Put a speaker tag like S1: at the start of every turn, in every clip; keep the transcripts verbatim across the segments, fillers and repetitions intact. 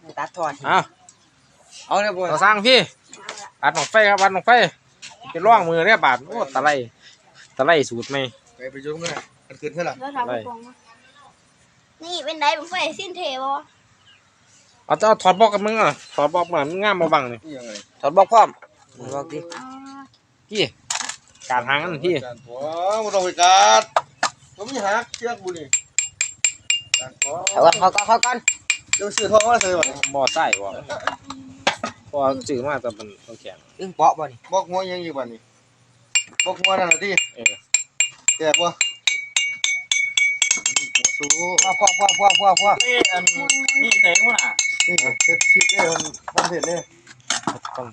S1: ตัดทอด
S2: เอา
S1: เอาเลยบ่
S2: ต่อสร้างพี่อัดหนองไฟครับอัดหนองไฟจะล่องมือเนี่ยบาดโอ้ตะไลตะไลสูตรไหม
S3: ไปไปยุ่งกันนะมันขึ้นเท่าไหร่
S4: นี่เป็นไดผมไฟสิ้นเทบ่
S2: เอาจะเอาถอดบล็อกกับมึงอ่ะถอดบล็อกมามึงง่ามมาบังนี่
S3: ยังไง
S1: ถอดบอกพร้อมบอกดิ
S2: พี่การหางกันพี่
S3: การหัวมันต้องไปการเขาไม่หักเชือกบุนี่การหัว
S1: เอาก่อนเขาก่อนเขาก่อน
S3: เดี๋ยวซื้อทองมาใส่บ่
S2: บ่อไส้บ่พอจืดมากแต่มันต้องแข็ง
S1: อึ้งเปาะบ่นี่
S3: บอกหัวยังอยู่บ่นี่บอกหัวนั่นน่ะที่
S2: เออ
S3: แตกบ่สู้
S1: พ่อพ่อพ่อพ่อพ่อพ่อ
S5: นี่อันนี่ใส่หัวหน้า
S3: นี่เฮ็ดคลิปได้มันมันเผ็ดเลย
S2: ต้อง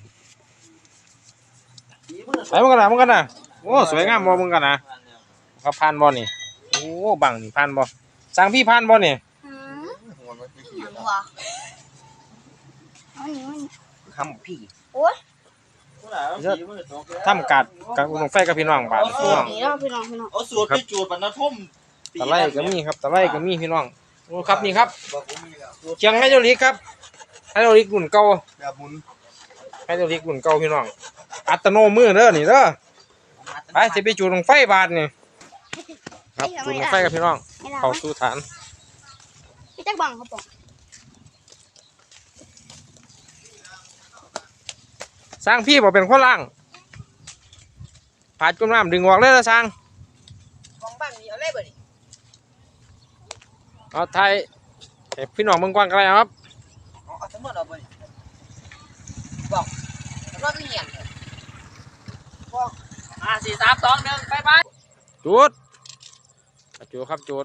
S2: ไปมึงกันนะมึงกันนะโอ้สวยงามบ่มึงกันนะเขาพันบ่นี่โอ้บังนี่พันบ่สั่งพี่พันบ่นี่
S4: หืม
S3: หัวมันขี้
S4: หัวเอาหนีมัน
S1: ทำพี่
S4: โอ้ย
S5: หัวหน้าสีมือตกแล้ว
S2: ทำกัดกับลงไฟกับพี่น้องบาดพี่น้อง
S4: หนีแล้วพี่น้องพี่น้อง
S5: เอาสูตรไปจูดบรรณทุ่ม
S2: ตะไลก็มีครับตะไลก็มีพี่น้องโอ้ครับนี่ครับ
S3: บอกผมมีแล้ว
S2: เชียงไฮโดรลิกครับไฮโดรลิกรุ่นเก่า
S3: แบบหมุน
S2: ไฮโดรลิกรุ่นเก่าพี่น้องอัตโนมือเด้อนี่เด้อไปสิไปจูดลงไฟบาดนี่ครับจูดลงไฟกับพี่น้อง
S4: ให้เรา
S2: เข้าสู่ฐาน
S4: พี่จักบังเขาบอก
S2: สร้างพี่บอกเป็นคนล่างผาดจุ่มน้ำดึงออกเลยนะสร้าง
S1: ของบ้านนี่เอาเลยบ่นี่
S2: เอาไทยให้พี่น้องเมืองกว้างกันเลยครับ
S1: เอาเอาทั้งหมดเอาบ่นี่บอกแล้วก็มีหยัง
S5: อ่าสี่สามสองหนึ่งไปไป
S2: จุดจุดครับจุด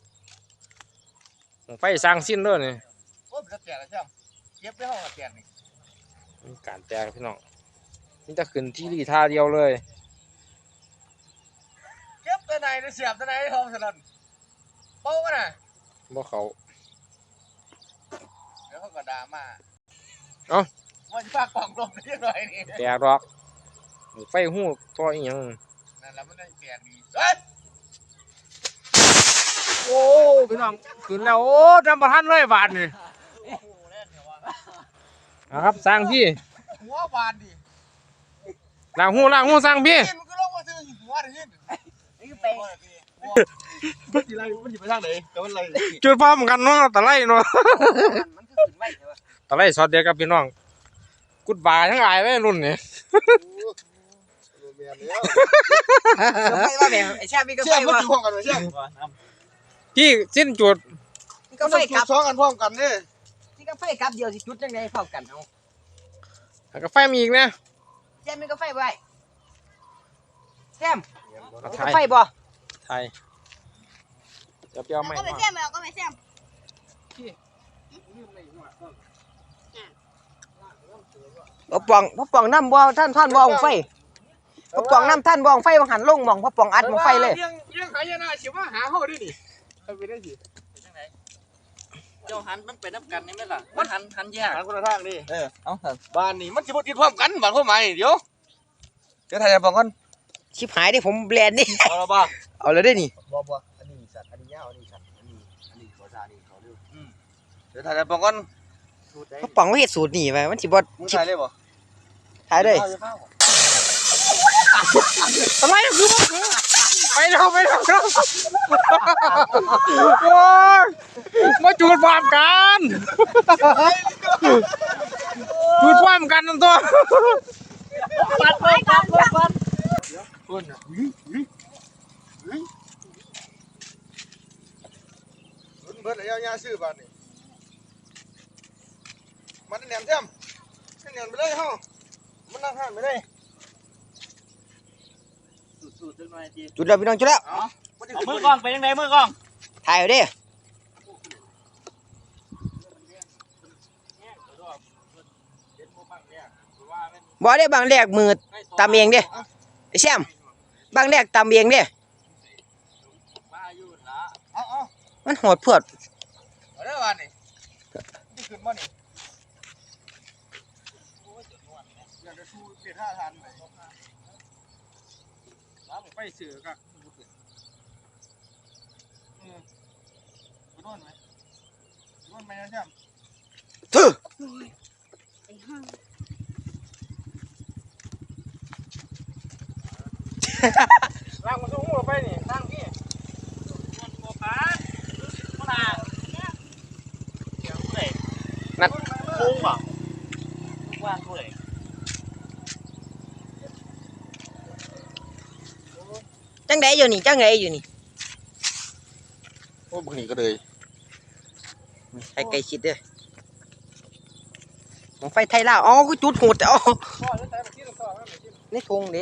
S2: ลงไฟสร้างสิ้นเด้อนี่
S3: โอ้ยมันแตกแล้วใช่ไหมเย็บได้ห้องแตกนี่
S2: มีการแตกพี่น้องนี่จะขึ้นที่รีท่าเดียวเลย
S3: เย็บตัวไหนเสียบตัวไหนห้องสลันโป้กันน่ะ
S2: บ่เขา
S3: เดี๋ยวเขาก็ด่ามา
S2: เอ้า
S3: ว่าจะฝากกล่องลมนิดหน่อยนี่
S2: แตกดอกไฟหูตัวอีหยัง
S3: นั่นแหละมันได้แตกดีเฮ้ย
S2: โอ้พี่น้องขึ้นแล้วโอ้ทำประทันเลยบาทนี่นะครับสร้างพี่
S3: หัวบานดิ
S2: ล้างหูล้างหูสร้างพี่
S3: กินมันก็ลงมาซื้อหัวดิยิน
S1: นี่ไป
S3: มันสิไรมันสิไปทางไหนแต่มันไร
S2: จุดพร้อมกันเนาะตะไลเนาะ
S1: มันคือขึ้นไว้ใช่ป่ะ
S2: ตะไลสอดเดียวกับพี่น้องกุดบาทั้งหลายไว้รุ่นนี่
S3: เมียแล้ว
S1: ก็ไฟว่าแบบไอ้ชามีก็
S3: เชื่
S1: ไฟ
S3: อมัน
S1: ว่า
S3: อยู่ห้องกันไหมเชื่อ
S2: พี่สิ้นจุด
S1: มีก็ไฟกลับ
S3: สองกันพร้อมกันเนี่ย
S1: มีก็ไฟกลับเดียวสิจุดจังได๋พร้อมกันเอา
S2: แล้วก็ไฟมีอีกนะ
S1: แซมมีก็ไฟไว้แซม
S2: เอา
S1: มี
S2: ไท
S1: ก็
S2: ย
S1: ไฟบ่
S2: ไทยจะเปรี้ยวไหม
S4: ก็ไปแซมเอาก็ไปแซม
S1: พ่อปองพ่อปองน้ำบ่ท่านท่านบ่องไฟพ่อปองน้ำท่านบ่องไฟบ่หันลงหม่องพ่อปองอัดหม่องไฟเลย
S2: เลี้ยงเลี้ยงหายนะสิว่าหาเฮาดินี่ไปได้สิ
S5: เจ้าหันมันเป็นน้ำกันนี่ไหมล่ะมันหันหันแยก
S3: ทางคนละทางดิ
S5: เออเอาเถอะ
S3: บ้านนี่มันสิบ่ติดพร้อมกันบ้านพ่อใหม่เดี๋ยวเดี๋ยวถ่ายจะบอกก่อน
S1: ชิบหายดิผมแบรนด์นี่
S3: เอาละบ้า
S1: เอาเลยได้นี่
S3: บ่บ่อันนี้สัตว์อันนี้ยาวอันนี้สัตว์อันนี้อันนี้ขอซานี่ขอเร็วอืมเดี๋ยวถ่ายจะบอกก่อน
S1: พ่อปองเฮ็ดสูตรนี่ไว้มันสิบ่
S3: มึงถ่ายเลยบ่
S1: ถ่ายเลย
S2: อะไรคือไปเร็วไปเร็วเร็วโอ้ยมาจูดพร้อมกันจูดพร้อมกันนั่นตัว
S5: ปัดปัดปัดปัดปัด
S3: คนอ่ะหึหึหึเบิดแล้วยาซื้อบ้านนี่มันแหนมเต็มแหนมไปเลยเฮามันนั่งห้านไปเลย
S5: สูตรจังหน่อยจี
S1: จุดแล้วพี่น้องจุดแล้ว
S5: เอามือกล้องไปยังไงมือกล้อง
S1: ถ่ายเอาดิบ่ได้บางแรกมือตำเองเด้ไอ้แซมบางแรกตำเองเด้
S5: มาอยู่ละ
S3: เอาเอา
S1: มันโหดพวด
S3: เอาได้บ้านนี่นี่ขึ้นมานี่อยากจะสู้เปลี่ยนท่าทานไหม
S2: ไปเสือกับ
S3: ไปนวดไหมนวดไหมนะแช่ม
S1: โทถือ
S4: ไอ้ห้าง
S2: ล้างมันสูงหัวไปนี่ล้างพี่
S5: มันโมปาดมันอ่ะเดี๋ยวเว้ย
S1: นั่น
S5: ลุงป่ะว่างด้วย
S1: จังไดอยู่นี่จังไดอยู่นี่
S3: โอ้บักนี่ก็เลย
S1: ไกลไกลชิดเด้อของไฟไทยลาวอ๋อกูจุดโหดอ๋อ
S2: พ่อจะใส่มาที่ต่อมาที่
S1: ในทงเด้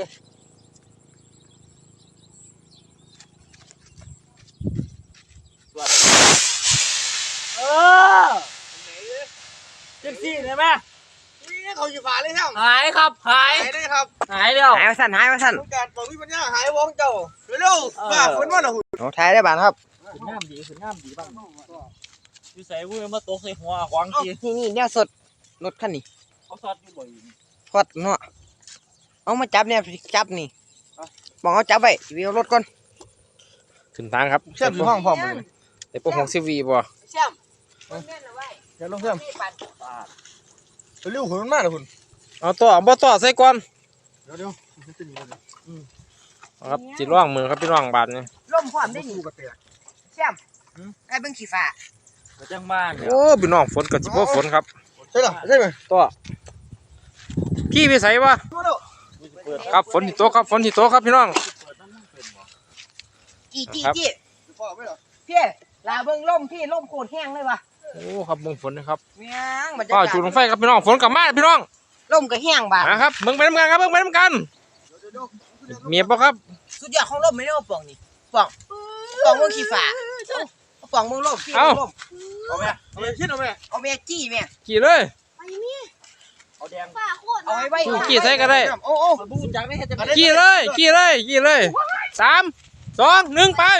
S5: เออจังซี่ได้ไหม
S3: นี่เขาอยู่ฝาเลยครับ
S5: หายครับหาย
S3: หายได้ครับ
S5: หายแล้ว
S1: หายมาสั่นหายมาสั่น
S3: ต้องการบอกวิปัญญาหายวงเจ้าเร็วๆว่าคนว่าน่ะหุ่น
S1: โอ้ถ่ายได้บานครับ
S5: ขึ้นน้ำดีขึ้นน้ำดีบ้างอยู่ใส่วุ้ยมาตกใส่หัวขวางที
S1: นี่นี่แนวสดรถคันนี้
S5: เขาซอดอยู่บ่อย
S1: ทอดเนาะเอามาจับเนี่ยจับนี่บอกเอาจับไว้วิวรถก่อน
S2: ขึ้นทางครับ
S3: เชื่อมอยู่ห้องพร้อมเลย
S2: แต่พวกหกสิบวีบ่
S1: เชื่อมเล่นเอาไว้
S3: เดี๋ยวลงเชื่อมเร็วๆหุ่นมันมากเลยหุ่น
S2: เอาต่อบ่ต่อใส่ก่อน
S3: เดี๋ยวเดี๋ยวมันจะหนีเลย
S2: เอาครับจิร่องมือครับพี่น้องบาทนี่
S1: ล่มพร้อมได้นี่
S3: สู้กับเตะ
S1: เชื่อมไอ้เบิ่งขี้ฟ้า
S5: เขาจังบ้านเนี่ย
S2: โอ้พี่น้องฝนกับจิบ่ฝนครับ
S3: ใช่หรอใช่ไหม
S2: ต่อพี่ไปใส่วะ
S3: ดูดู
S5: เปิด
S2: ครับฝนที่โตกครับฝนที่โตกครับพี่น้อง
S5: เปิดน้ำมันเป็นบ่
S1: จี้จี้
S2: ครับ
S1: จี้
S3: พ่อไม่หรอ
S1: พี่ลาเบิ่งล่มพี่ล่มโคตรแห้งเลยวะ
S2: โอ้ครับเบิ่งฝนนะครับ
S1: เมียงบรรยา
S2: ก็
S1: กาศ
S2: จุดลงไฟครับพี่น้องฝนกลับมาพี่น้อง
S1: ล่มก็แห้งบาด
S2: นะครับเบิ่งไปน้ำกันครับเบิ่งไปน้ำกันเมียบ่ครับ
S1: สุดยอดของล่มไม่ได้เอาป่องนี่ป่องป่องเบิ่งขี้ฟ้าเอาป่องเบิ่งล่มพี่เบิ่งล่ม
S3: เอาไหมเอาไหมคิดเอาไหม
S1: เอาแม่จี้แม่
S2: กี่เลย
S4: ไอ้นี่
S5: เอาแดง
S4: ฝ้าโคตร
S1: เอาไว้ไว้
S2: สู้กี่ใส่ก็ได้
S1: โอ้โอ้
S5: มันบูจักได้เฮ็ดจังได๋
S2: กี่เลยกี่เลยกี่เลยสามสองหนึ่งไป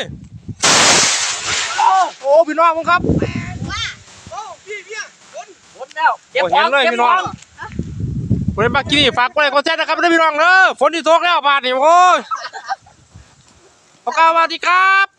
S2: โอ้พี่น้องผมครับ
S3: โอ้พี่พี่คน
S5: หมดแล้ว
S2: โอ้เห็นเลยพี่น้องคนเล่นบักกี้ฝากกดไลค์กดแชร์นะครับด้วยพี่น้องเด้อฝนที่ตกแล้วบาดนี่โอ้ยขอบคุณสวัสดีครับ